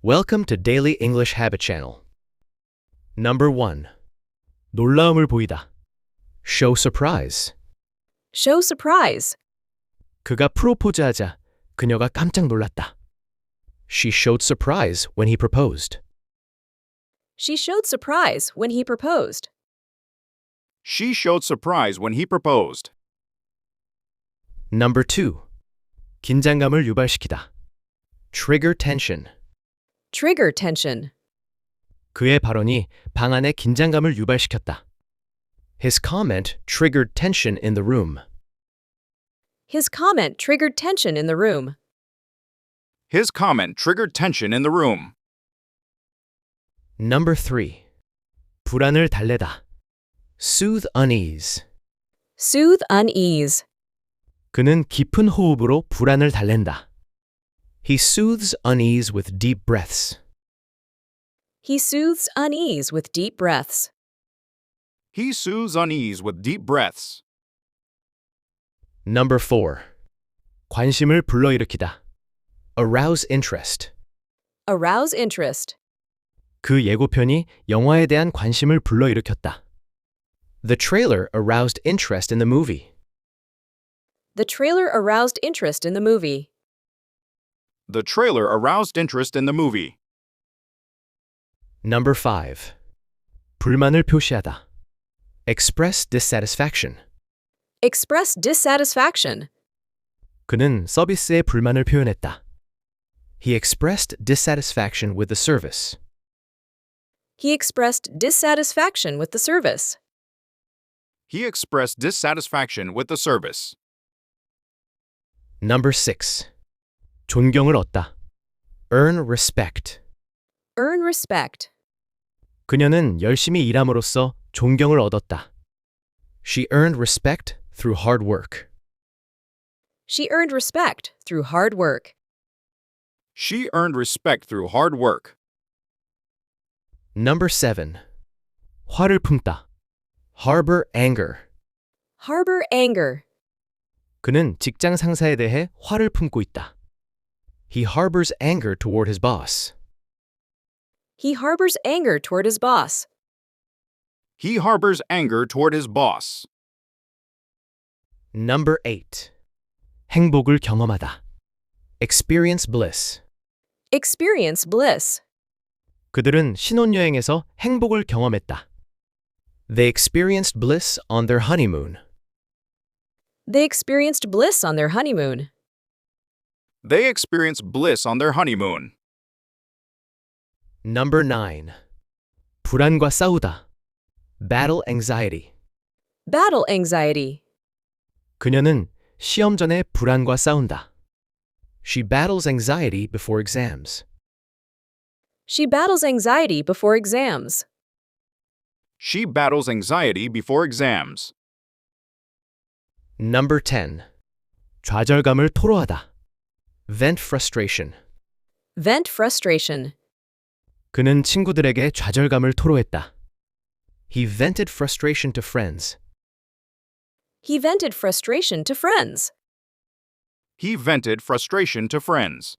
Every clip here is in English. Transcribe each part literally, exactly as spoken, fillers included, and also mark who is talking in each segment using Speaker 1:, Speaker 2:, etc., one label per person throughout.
Speaker 1: Welcome to Daily English Habit Channel. Number one. 놀라움을 보이다. Show surprise.
Speaker 2: Show surprise.
Speaker 1: 그가 프로포즈하자 그녀가 깜짝 놀랐다. She showed surprise when he proposed.
Speaker 2: She showed surprise when he proposed.
Speaker 3: She showed surprise when he proposed.
Speaker 1: Number two. 긴장감을 유발시키다. Trigger tension.
Speaker 2: Trigger tension.
Speaker 1: 그의 발언이 방 안에 긴장감을 유발시켰다. His comment triggered tension in the room.
Speaker 2: His comment triggered tension in the room.
Speaker 3: His comment triggered tension in the room.
Speaker 1: Number three. 불안을 달래다. Soothe unease.
Speaker 2: Soothe unease.
Speaker 1: 그는 깊은 호흡으로 불안을 달랜다. He soothes unease with deep breaths.
Speaker 2: He soothes unease with deep breaths.
Speaker 3: He soothes unease with deep breaths.
Speaker 1: Number four. 관심을 불러일으키다. Arouse interest.
Speaker 2: Arouse interest.
Speaker 1: 그 예고편이 영화에 대한 관심을 불러일으켰다. The trailer aroused interest in the movie.
Speaker 2: The trailer aroused interest in the movie.
Speaker 3: The trailer aroused interest in the movie.
Speaker 1: Number five. 불만을 표시하다. Express dissatisfaction.
Speaker 2: Express dissatisfaction.
Speaker 1: 그는 서비스에 불만을 표현했다. He expressed dissatisfaction with the service.
Speaker 2: He expressed dissatisfaction with the service.
Speaker 3: He expressed dissatisfaction with the service.
Speaker 1: Number six. 존경을 얻다. Earn respect.
Speaker 2: Earn respect.
Speaker 1: 그녀는 열심히 일함으로써 존경을 얻었다. She earned respect through hard work.
Speaker 2: She earned respect through hard work.
Speaker 3: She earned respect through hard work.
Speaker 1: Number seven. 화를 품다. Harbor anger.
Speaker 2: Harbor anger.
Speaker 1: 그는 직장 상사에 대해 화를 품고 있다. He harbors anger toward his boss.
Speaker 2: He harbors anger toward his boss.
Speaker 3: He harbors anger toward his boss.
Speaker 1: Number eight. 행복을 경험하다. Experience bliss.
Speaker 2: Experience bliss.
Speaker 1: 그들은 신혼여행에서 행복을 경험했다. They experienced bliss on their honeymoon.
Speaker 2: They experienced bliss on their honeymoon.
Speaker 3: They experienced bliss on their honeymoon.
Speaker 1: Number nine. 불안과 싸우다. Battle anxiety.
Speaker 2: Battle anxiety.
Speaker 1: 그녀는 시험 전에 불안과 싸운다. She battles anxiety before exams.
Speaker 2: She battles anxiety before exams.
Speaker 3: She battles anxiety before exams.
Speaker 1: Number ten. 좌절감을 토로하다. Vent frustration.
Speaker 2: Vent frustration.
Speaker 1: 그는 친구들에게 좌절감을 토로했다. He vented frustration to friends.
Speaker 2: He vented frustration to friends.
Speaker 3: He vented frustration to friends.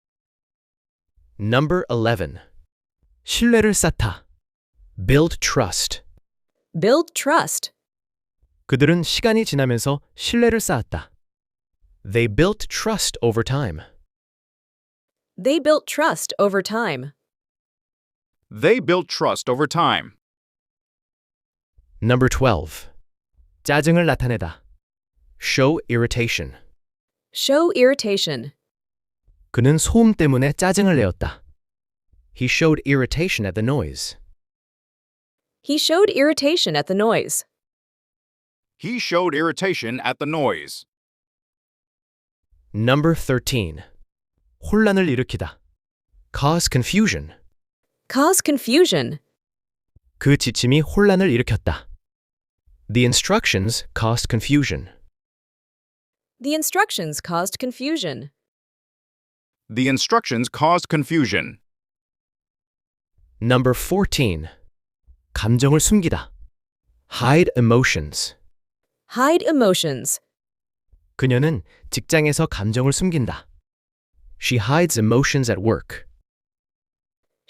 Speaker 1: Number eleven. 신뢰를 쌓다. Build trust.
Speaker 2: Build trust.
Speaker 1: 그들은 시간이 지나면서 신뢰를 쌓았다. They built trust over time.
Speaker 2: They built trust over time.
Speaker 3: They built trust over time.
Speaker 1: Number twelve. 짜증을 나타내다. Show irritation.
Speaker 2: Show irritation.
Speaker 1: 그는 소음 때문에 짜증을 내었다. He showed irritation at the noise.
Speaker 2: He showed irritation at the noise.
Speaker 3: He showed irritation at the noise.
Speaker 1: Number thirteen. 혼란을 일으키다. Cause confusion.
Speaker 2: Cause confusion.
Speaker 1: 그 지침이 혼란을 일으켰다. The instructions caused confusion.
Speaker 2: The instructions caused confusion.
Speaker 3: The instructions caused confusion.
Speaker 1: Number fourteen. 감정을 숨기다. Hide emotions.
Speaker 2: Hide emotions.
Speaker 1: 그녀는 직장에서 감정을 숨긴다. She hides emotions at work.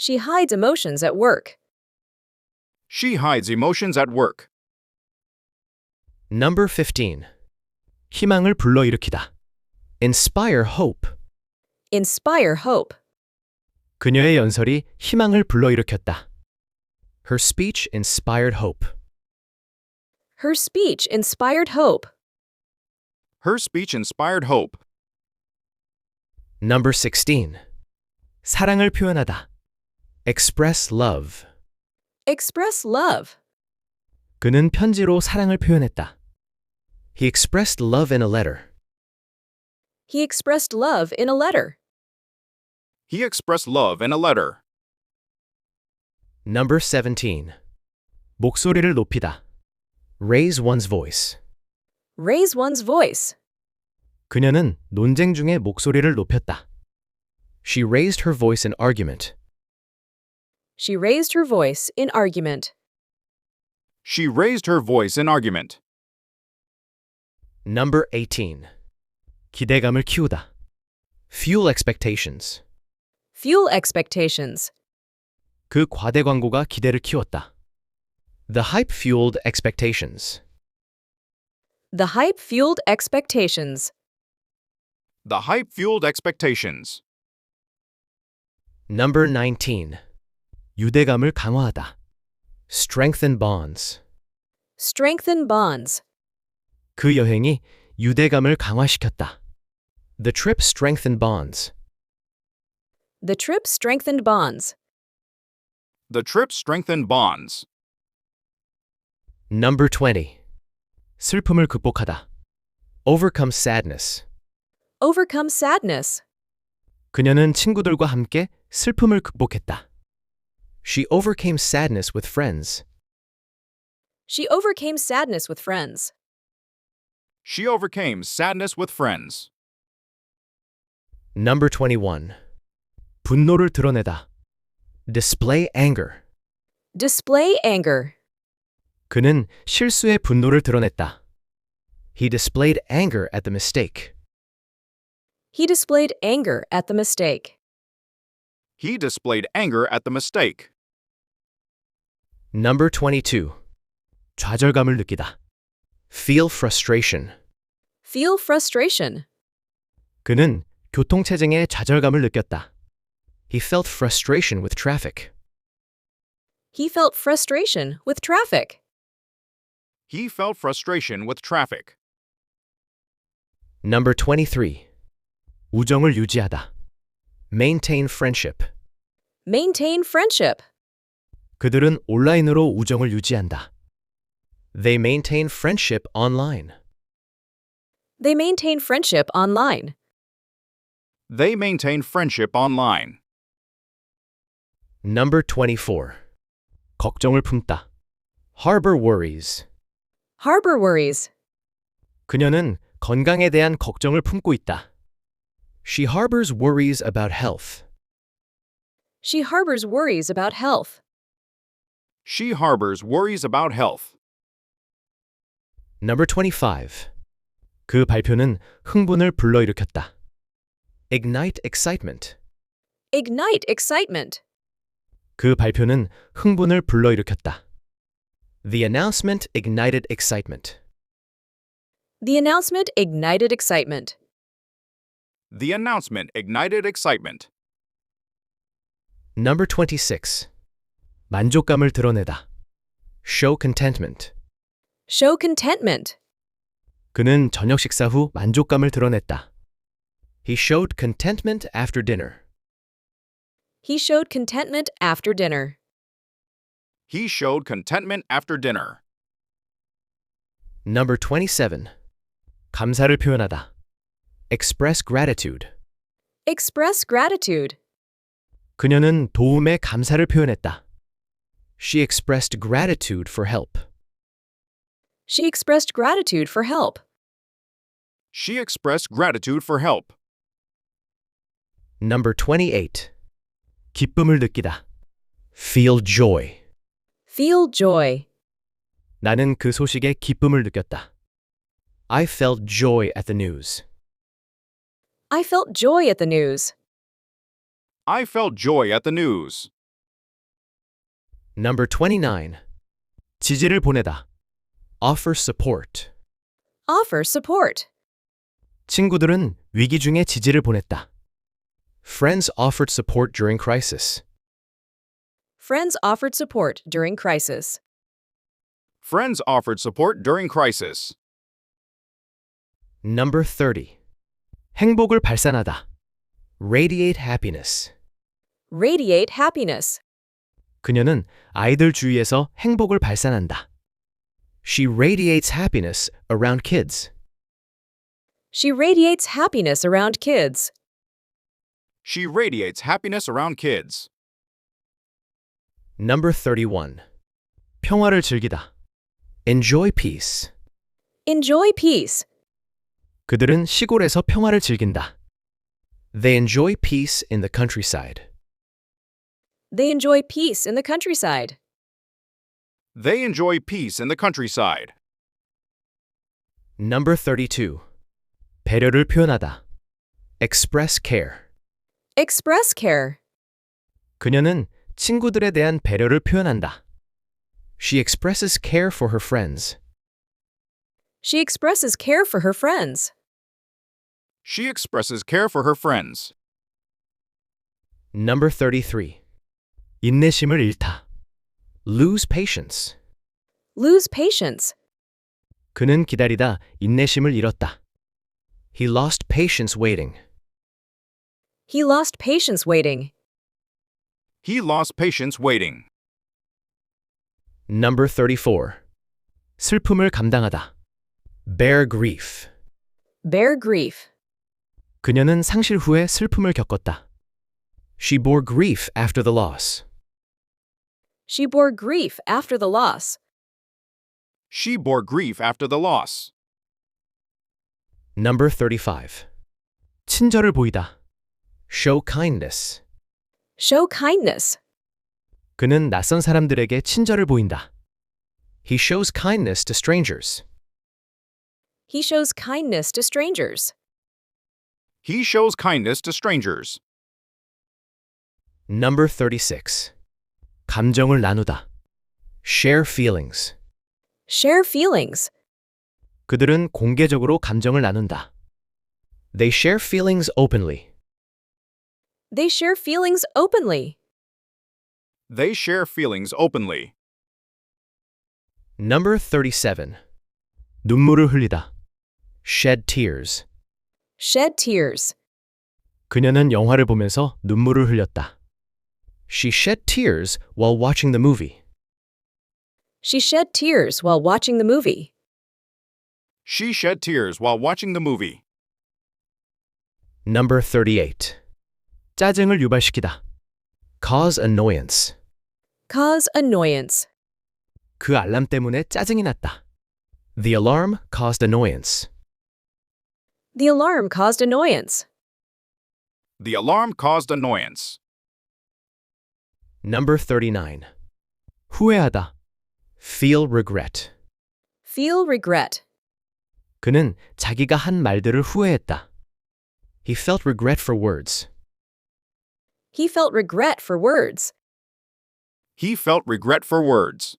Speaker 2: She hides emotions at work.
Speaker 3: She hides emotions at work.
Speaker 1: Number fifteen. 희망을 불러일으키다. Inspire hope.
Speaker 2: Inspire hope.
Speaker 1: 그녀의 연설이 희망을 불러일으켰다. Her speech inspired hope.
Speaker 2: Her speech inspired hope.
Speaker 3: Her speech inspired hope.
Speaker 1: Number sixteen. 사랑을 표현하다. Express love.
Speaker 2: Express love.
Speaker 1: 그는 편지로 사랑을 표현했다. He expressed love in a letter.
Speaker 2: He expressed love in a letter.
Speaker 3: He expressed love in a letter.
Speaker 1: Number seventeen. 목소리를 높이다. Raise one's voice.
Speaker 2: Raise one's voice.
Speaker 1: 그녀는 논쟁 중에 목소리를 높였다. She raised her voice in argument.
Speaker 2: She raised her voice in argument.
Speaker 3: She raised her voice in argument.
Speaker 1: Number eighteen. 기대감을 키우다. Fuel expectations.
Speaker 2: Fuel expectations.
Speaker 1: 그 과대 광고가 기대를 키웠다. The hype fueled expectations.
Speaker 2: The hype fueled expectations.
Speaker 3: The hype fueled expectations.
Speaker 1: Number nineteen. 유대감을 강화하다. Strengthen bonds.
Speaker 2: Strengthen bonds.
Speaker 1: 그 여행이 유대감을 강화시켰다. The trip strengthened bonds.
Speaker 2: The trip strengthened bonds.
Speaker 3: The trip strengthened bonds.
Speaker 1: Number twenty. 슬픔을 극복하다. Overcome sadness.
Speaker 2: Overcome sadness.
Speaker 1: 그녀는 친구들과 함께 슬픔을 극복했다. She overcame sadness with friends.
Speaker 2: She overcame sadness with friends.
Speaker 3: She overcame sadness with friends.
Speaker 1: Number twenty-one. 분노를 드러내다. Display anger.
Speaker 2: Display anger.
Speaker 1: 그는 실수의 분노를 드러냈다. He displayed anger at the mistake.
Speaker 2: He displayed anger at the mistake.
Speaker 3: He displayed anger at the mistake.
Speaker 1: Number twenty-two. 좌절감을 느끼다. Feel frustration.
Speaker 2: Feel frustration.
Speaker 1: 그는 교통체증에 좌절감을 느꼈다. He felt frustration with traffic.
Speaker 2: He felt frustration with traffic.
Speaker 3: He felt frustration with traffic.
Speaker 1: Number twenty-three. 우정을 유지하다. Maintain friendship.
Speaker 2: Maintain friendship.
Speaker 1: 그들은 온라인으로 우정을 유지한다. They maintain friendship online.
Speaker 2: They maintain friendship online.
Speaker 3: They maintain friendship online.
Speaker 1: Number twenty-four. 걱정을 품다. Harbor worries.
Speaker 2: Harbor worries.
Speaker 1: 그녀는 건강에 대한 걱정을 품고 있다. She harbors worries about health.
Speaker 2: She harbors worries about health.
Speaker 3: She harbors worries about health.
Speaker 1: Number twenty-five. 그 발표는 흥분을 불러일으켰다. Ignite excitement.
Speaker 2: Ignite excitement.
Speaker 1: 그 발표는 흥분을 불러일으켰다. The announcement ignited excitement.
Speaker 2: The announcement ignited excitement.
Speaker 3: The announcement ignited excitement.
Speaker 1: Number twenty-six. 만족감을 드러내다. Show contentment.
Speaker 2: Show contentment.
Speaker 1: 그는 저녁 식사 후 만족감을 드러냈다. He showed contentment after dinner.
Speaker 2: He showed contentment after dinner.
Speaker 3: He showed contentment after dinner.
Speaker 1: Number twenty-seven. 감사를 표현하다. Express gratitude.
Speaker 2: Express gratitude.
Speaker 1: 그녀는 도움에 감사를 표현했다. She expressed gratitude for help.
Speaker 2: She expressed gratitude for help.
Speaker 3: She expressed gratitude for help.
Speaker 1: Number twenty-eight. 기쁨을 느끼다. Feel joy.
Speaker 2: Feel joy.
Speaker 1: 나는 그 소식에 기쁨을 느꼈다. I felt joy at the news.
Speaker 2: I felt joy at the news.
Speaker 3: I felt joy at the news.
Speaker 1: Number twenty-nine. 지지를 보내다. Offer support.
Speaker 2: Offer support.
Speaker 1: 친구들은 위기 중에 지지를 보냈다. Friends offered support during crisis.
Speaker 2: Friends offered support during crisis.
Speaker 3: Friends offered support during crisis.
Speaker 1: Number thirty. 행복을 발산하다. Radiate happiness.
Speaker 2: Radiate happiness.
Speaker 1: 그녀는 아이들 주위에서 행복을 발산한다. She radiates happiness around kids.
Speaker 2: She radiates happiness around kids.
Speaker 3: She radiates happiness around kids.
Speaker 1: Number thirty-one. 평화를 즐기다. Enjoy peace.
Speaker 2: Enjoy peace.
Speaker 1: 그들은 시골에서 평화를 즐긴다. They enjoy peace in the countryside.
Speaker 2: They enjoy peace in the countryside.
Speaker 3: They enjoy peace in the countryside.
Speaker 1: Number thirty-two. 배려를 표현하다. Express care.
Speaker 2: Express care.
Speaker 1: 그녀는 친구들에 대한 배려를 표현한다. She expresses care for her friends.
Speaker 2: She expresses care for her friends.
Speaker 3: She expresses care for her friends.
Speaker 1: Number thirty-three. 인내심을 잃다. Lose patience.
Speaker 2: Lose patience.
Speaker 1: 그는 기다리다 인내심을 잃었다. He lost patience waiting.
Speaker 2: He lost patience waiting.
Speaker 3: He lost patience waiting.
Speaker 1: Number thirty-four. 슬픔을 감당하다. Bear grief.
Speaker 2: Bear grief.
Speaker 1: 그녀는 상실 후에 슬픔을 겪었다. She bore grief after the loss.
Speaker 2: She bore grief after the loss.
Speaker 3: She bore grief after the loss.
Speaker 1: Number thirty-five. 친절을 보이다. Show kindness.
Speaker 2: Show kindness.
Speaker 1: 그는 낯선 사람들에게 친절을 보인다. He shows kindness to strangers.
Speaker 2: He shows kindness to strangers.
Speaker 3: He shows kindness to strangers.
Speaker 1: Number thirty-six. 감정을 나누다. Share feelings.
Speaker 2: Share feelings.
Speaker 1: 그들은 공개적으로 감정을 나눈다. They share feelings openly.
Speaker 2: They share feelings openly.
Speaker 3: They share feelings openly.
Speaker 1: Number thirty-seven. 눈물을 흘리다. Shed tears.
Speaker 2: Shed tears.
Speaker 1: 그녀는 영화를 보면서 눈물을 흘렸다. She shed tears while watching the movie.
Speaker 2: She shed tears while watching the movie.
Speaker 3: She shed tears while watching the movie.
Speaker 1: Number thirty-eight. 짜증을 유발시키다. Cause annoyance.
Speaker 2: Cause annoyance.
Speaker 1: 그 알람 때문에 짜증이 났다. The alarm caused annoyance.
Speaker 2: The alarm caused annoyance.
Speaker 3: The alarm caused annoyance.
Speaker 1: Number thirty-nine. 후회하다. Feel regret.
Speaker 2: Feel regret.
Speaker 1: 그는 자기가 한 말들을 후회했다. He felt regret for words.
Speaker 2: He felt regret for words.
Speaker 3: He felt regret for words.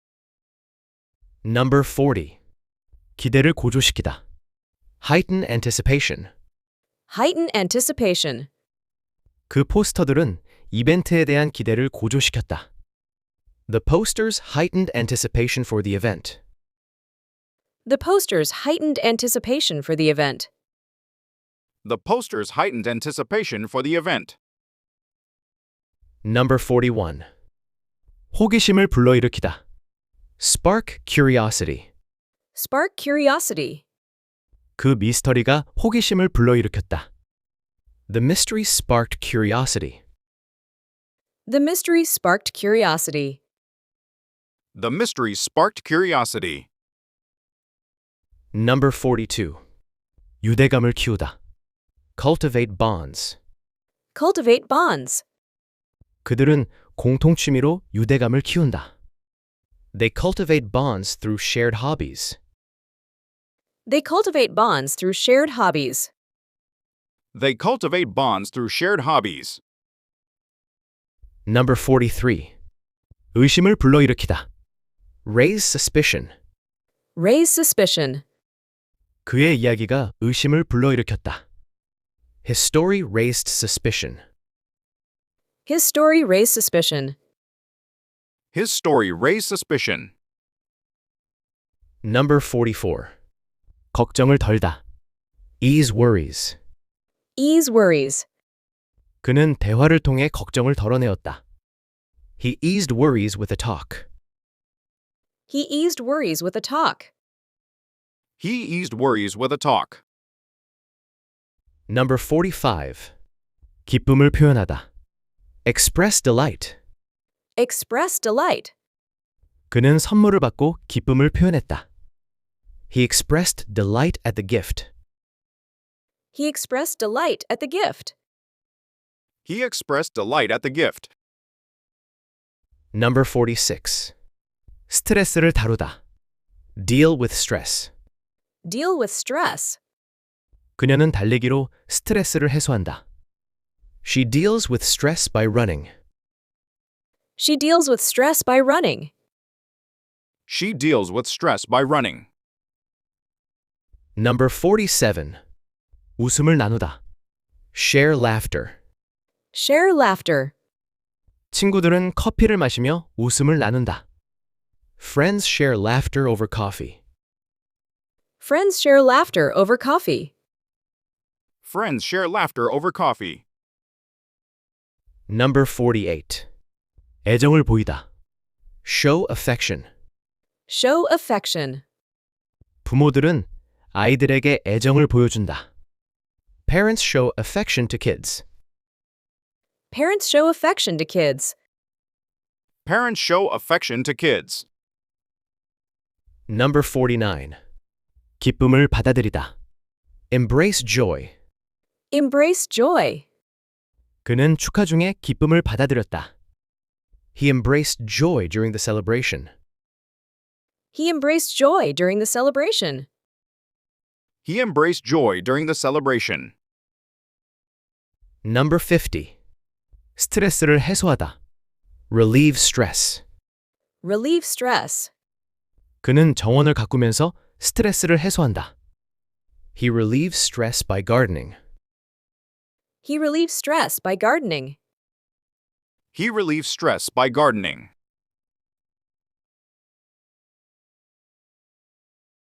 Speaker 1: Number forty. 기대를 고조시키다. Heighten anticipation.
Speaker 2: Heighten anticipation.
Speaker 1: 그 포스터들은 이벤트에 대한 기대를 고조시켰다. The posters heightened anticipation for the event.
Speaker 2: The posters heightened anticipation for the event.
Speaker 3: The posters heightened anticipation for the event.
Speaker 1: Number forty-one. 호기심을 불러일으키다. Spark curiosity.
Speaker 2: Spark curiosity.
Speaker 1: 그 미스터리가 호기심을 불러일으켰다. The mystery sparked curiosity.
Speaker 2: The mystery sparked curiosity.
Speaker 3: The mystery sparked curiosity.
Speaker 1: Number forty-two. 유대감을 키우다. Cultivate bonds.
Speaker 2: Cultivate bonds.
Speaker 1: 그들은 공통 취미로 유대감을 키운다. They cultivate bonds through shared hobbies.
Speaker 2: They cultivate bonds through shared hobbies.
Speaker 3: They cultivate bonds through shared hobbies.
Speaker 1: Number forty-three. 의심을 불러일으키다. Raise suspicion.
Speaker 2: Raise suspicion.
Speaker 1: 그의 이야기가 의심을 불러일으켰다. His story raised suspicion.
Speaker 2: His story raised suspicion.
Speaker 3: His story raised suspicion.
Speaker 1: Number forty-four. 걱정을 덜다. Ease worries.
Speaker 2: Ease worries.
Speaker 1: 그는 대화를 통해 걱정을 덜어내었다. He eased worries with a talk.
Speaker 2: He eased worries with a talk.
Speaker 3: He eased worries with a talk.
Speaker 1: Number forty-five. 기쁨을 표현하다. Express delight.
Speaker 2: Express delight.
Speaker 1: 그는 선물을 받고 기쁨을 표현했다. He expressed delight at the gift.
Speaker 2: He expressed delight at the gift.
Speaker 3: He expressed delight at the gift.
Speaker 1: Number forty-six. 스트레스를 다루다. Deal with stress.
Speaker 2: Deal with stress.
Speaker 1: 그녀는 달리기로 스트레스를 해소한다. She deals with stress by running.
Speaker 2: She deals with stress by running.
Speaker 3: She deals with stress by running.
Speaker 1: Number forty-seven. 웃음을 나누다. Share laughter.
Speaker 2: Share laughter.
Speaker 1: 친구들은 커피를 마시며 웃음을 나눈다. Friends share laughter over coffee.
Speaker 2: Friends share laughter over coffee.
Speaker 3: Friends share laughter over coffee.
Speaker 1: Number forty-eight. 애정을 보이다. Show affection.
Speaker 2: Show affection.
Speaker 1: 부모들은 아이들에게 애정을 보여준다. Parents show affection to kids.
Speaker 2: Parents show affection to kids.
Speaker 3: Parents show affection to kids.
Speaker 1: Number forty-nine. 기쁨을 받아들이다. Embrace joy.
Speaker 2: Embrace joy.
Speaker 1: 그는 축하 중에 기쁨을 받아들였다. He embraced joy during the celebration.
Speaker 2: He embraced joy during the celebration.
Speaker 3: He embraced joy during the celebration.
Speaker 1: Number fifty. 스트레스를 해소하다. Relieve stress.
Speaker 2: Relieve stress.
Speaker 1: 그는 정원을 가꾸면서 스트레스를 해소한다. He relieves stress by gardening.
Speaker 2: He relieves stress by gardening.
Speaker 3: He relieves stress by gardening.